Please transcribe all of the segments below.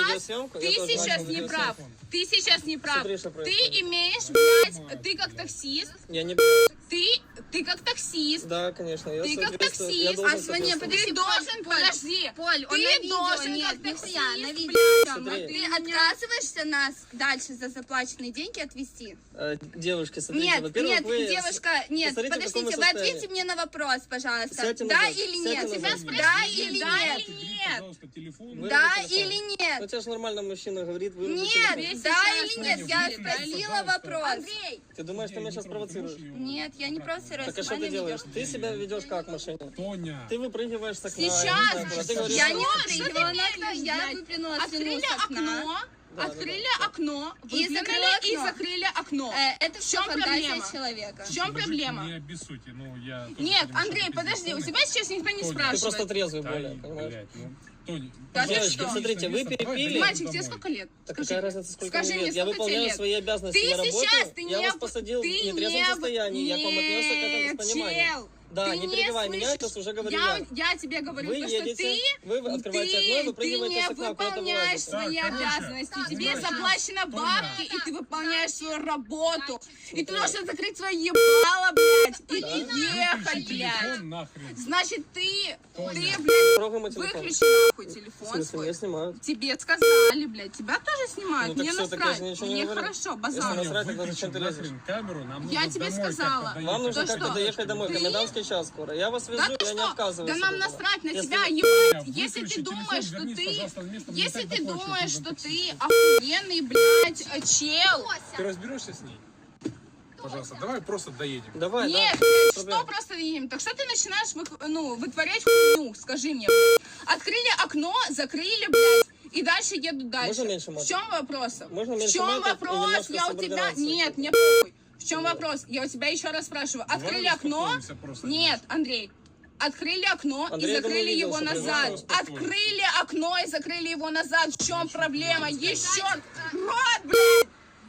сейчас не прав. Ты сейчас не прав. Ты имеешь, блядь, ты как таксист. Я не... Ты как таксист. Да, конечно. Ты как таксист. Ты должен, подожди. Поль, ты должен как таксист. Ты отказываешься нас дальше за заплаченные деньги отвезти? Девушки, смотрите, Нет, во-первых, вы... девушка, нет, подождите, вы ответьте мне на вопрос, пожалуйста. Да или нет? Да или нет? Да или нет? Ну, тебя же нормально мужчина говорит. Нет, да или нет? Я спросила вопрос. Андрей. Ты думаешь, ты меня сейчас провоцируешь? Нет, я не провоцирую. Так а что ты делаешь? Ты себя ведешь как в машине? Тоня. Ты выпрыгиваешь с окна. Сейчас. Я не выпрыгивала на окно, я выплюнула слюну с окна. Открыли окно, И закрыли окно. Это все фантазия человека. В чем проблема? Не обессудьте, ну я... Нет, Андрей, подожди, у тебя сейчас никто не Ты спрашивает. просто трезвый более, понимаешь? Блядь, ну, Тоня, Да ты Девочки, что? смотрите, вы перепили. Мальчик, тебе сколько лет? Так какая разница, сколько скажи мне мне, лет? Я сколько тебе выполняю лет? свои обязанности Ты на работе. сейчас, Я вас посадил в нетрезвом состоянии. Я к вам отнесся к этому с пониманием. Да, не перебивай меня, сейчас уже говорю я. Я тебе говорю, Вы едете, вы открываете окно, вы прыгиваете с окна, куда-то выполняешь вылазите. свои обязанности, тебе заплачено бабки, и ты выполняешь свою работу. И ты должен закрыть свое ебало, блядь, и ехать, блядь. нахрен. Значит, ты, блядь, Трогай мой телефон. выключи нахуй В телефон смысле, свой. меня снимают. Тебе сказали, блядь, тебя тоже снимают. Ну, так Мне всё, так я насрать, же ничего не мне говорю. хорошо, Если базар. насрать, тогда зачем ты лезешь? Нахрен камеру, нам Я нужно тебе домой сказала. как-то Вам нужно Да как-то что? доехать домой, Ты- комендантский час скоро. Я вас везу, Да ты я не что? отказываюсь. Да от нам этого. насрать на Если- тебя, ебать. Выключи Если ты телефон, думаешь, что вернись, ты... пожалуйста, на место, мне Если так ты захочешь, думаешь, нужно что такси. ты охуенный, блядь, чел. Ты разберешься с ней? Пожалуйста, давай просто доедем. Давай, Нет, да. блядь, Проблем. что просто видим? Так что ты начинаешь вытворять хуйню? Скажи мне, блядь. Открыли окно, закрыли, блядь. И дальше едут дальше. Можно меньше В матов? чем вопрос? Можно В меньше чем матов и вопрос? немножко Я у тебя... субординации. Нет, мне похуй. В чем вопрос? Я у тебя еще раз спрашиваю. Открыли окно? успокоимся просто Нет, Андрей. Открыли окно Андрей, и я думаю, закрыли видел, его что назад. произошло. Открыли окно и закрыли его назад. В чем проблема? Еще рот, блядь!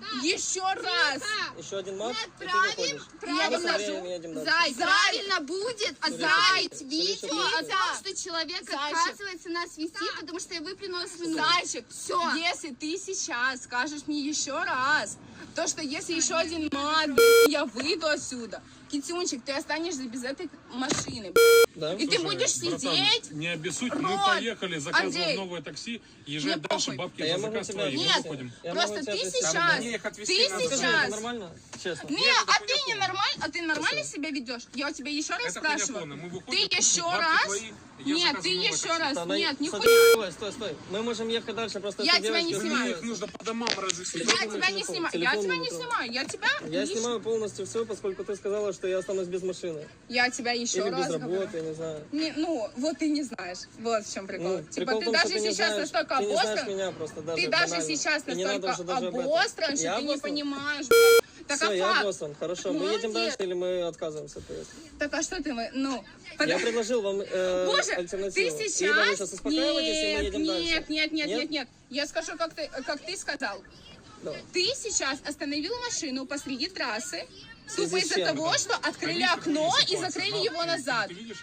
Еще раз! Еще один мат, и ты Отправим, выходишь. правильно, Мы со временем едем дальше. Зай, правильно будет отправить Смотрите, видео смотрите. о том, что человек Зайчик. отказывается нас вести, потому что я выплюнула слюну. Зайчик, Всё. если ты сейчас скажешь мне еще раз, то что если еще один мат, блядь, и я выйду отсюда, Китюнчик, ты останешься без этой машины, блядь. Да? И ты Слушай, будешь братан, сидеть. не обессудь, Рот. мы поехали, заказываем Андрей. новое такси, езжай Мне дальше, похуй. бабки Да я за могу заказ тебя- твои, мы Нет, выходим. Я просто могу ты тебя отвезти. сейчас, Мне их отвезти ты надо. Скажи, это сейчас. нормально? Честно. Не, Нет, это а ты хуйня не полная. нормально, а ты нормально себя ведешь? Я у тебя еще раз Это хуйня спрашиваю. полная. Мы выходим, Ты еще бабки раз? твои, я Нет, заказываю ты новое еще такси. раз. Да, Нет, смотри, нихуя. Стой. Мы можем ехать дальше, просто Я эта тебя не девочка- снимаю. Мне их нужно по домам развести. Я Телефон, тебя не телефон, снимаю. Я телефон тебя не не трогай. снимаю. Я тебя Я еще- снимаю полностью все, поскольку ты сказала, что я останусь без машины. Я тебя еще Или раз без говорю. работы, я не знаю. Ну, вот ты не знаешь. Вот в чем прикол. Ну, Типа прикол в ты том, что даже ты не сейчас знаешь- настолько ты не знаешь обостран. меня просто даже Ты даже банально. сейчас И не надо настолько уже даже об этом. обостран, что Я ты не обостран? понимаешь, блядь. Так Все, а я факт? обостран. Хорошо, мы едем Молодец. дальше или мы отказываемся от поездки? Так а что ты, ну... Я предложил вам Боже, альтернативу. ты Либо вы сейчас... сейчас успокаиваетесь, и мы едем дальше. Нет. Я скажу, как ты сказал. Давай. Ты сейчас остановил машину посреди трассы, В связи тупо с из-за чем? того, что открыли окно и закрыли его назад. Ты видишь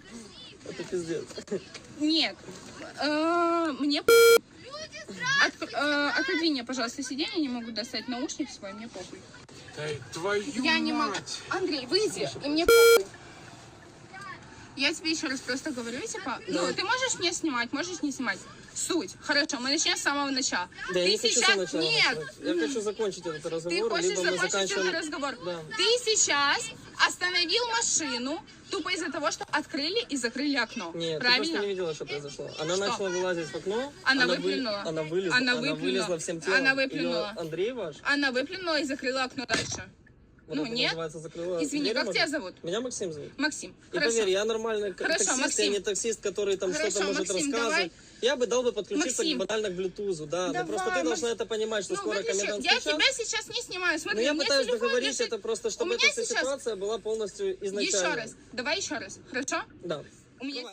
это? Это пиздец. Нет. Мне... Отодвинь мне, пожалуйста, сиденье, не могу достать наушник свой, мне похуй. Да твою Я не могу. мать. Андрей, выйди, и мне похуй. Я тебе еще раз просто говорю, типа, ну, ты можешь меня снимать, можешь не снимать. Суть. Хорошо, мы начнем с самого начала. Да, я Ты не хочу сейчас... сначала Нет, начинать. Я хочу закончить этот ты разговор, хочешь либо мы закончить заканчиваем... этот разговор. Да. Ты сейчас остановил машину тупо из-за того, что открыли и закрыли окно. Нет, ты правильно? просто не видела, что произошло. Она Что? начала вылазить в окно. Она вы- выплюнула. Она вылезла. Она Она выплюнула. вылезла всем телом. Она выплюнула. Её Андрей ваш? Она выплюнула и закрыла окно дальше. Вот Ну, это нет. называется, закрыла Извини, дверь, как может? тебя зовут? Меня Максим зовут. Максим. И Хорошо. поверь, я нормальный Хорошо, таксист, Максим. я не таксист, который там Хорошо, что-то может Максим, рассказывать. Я бы дал бы подключиться Максим. банально к Bluetooth, да. Но Давай, просто ты должна Макс- это понимать, что Ну, скоро выключи. комендантский Я час. тебя сейчас не снимаю. Но Смотри, я у меня пытаюсь телефон договорить лежит. это просто, чтобы У меня эта вся сейчас- ситуация была полностью изначально. Еще раз. Давай еще раз. Хорошо? Да. У меня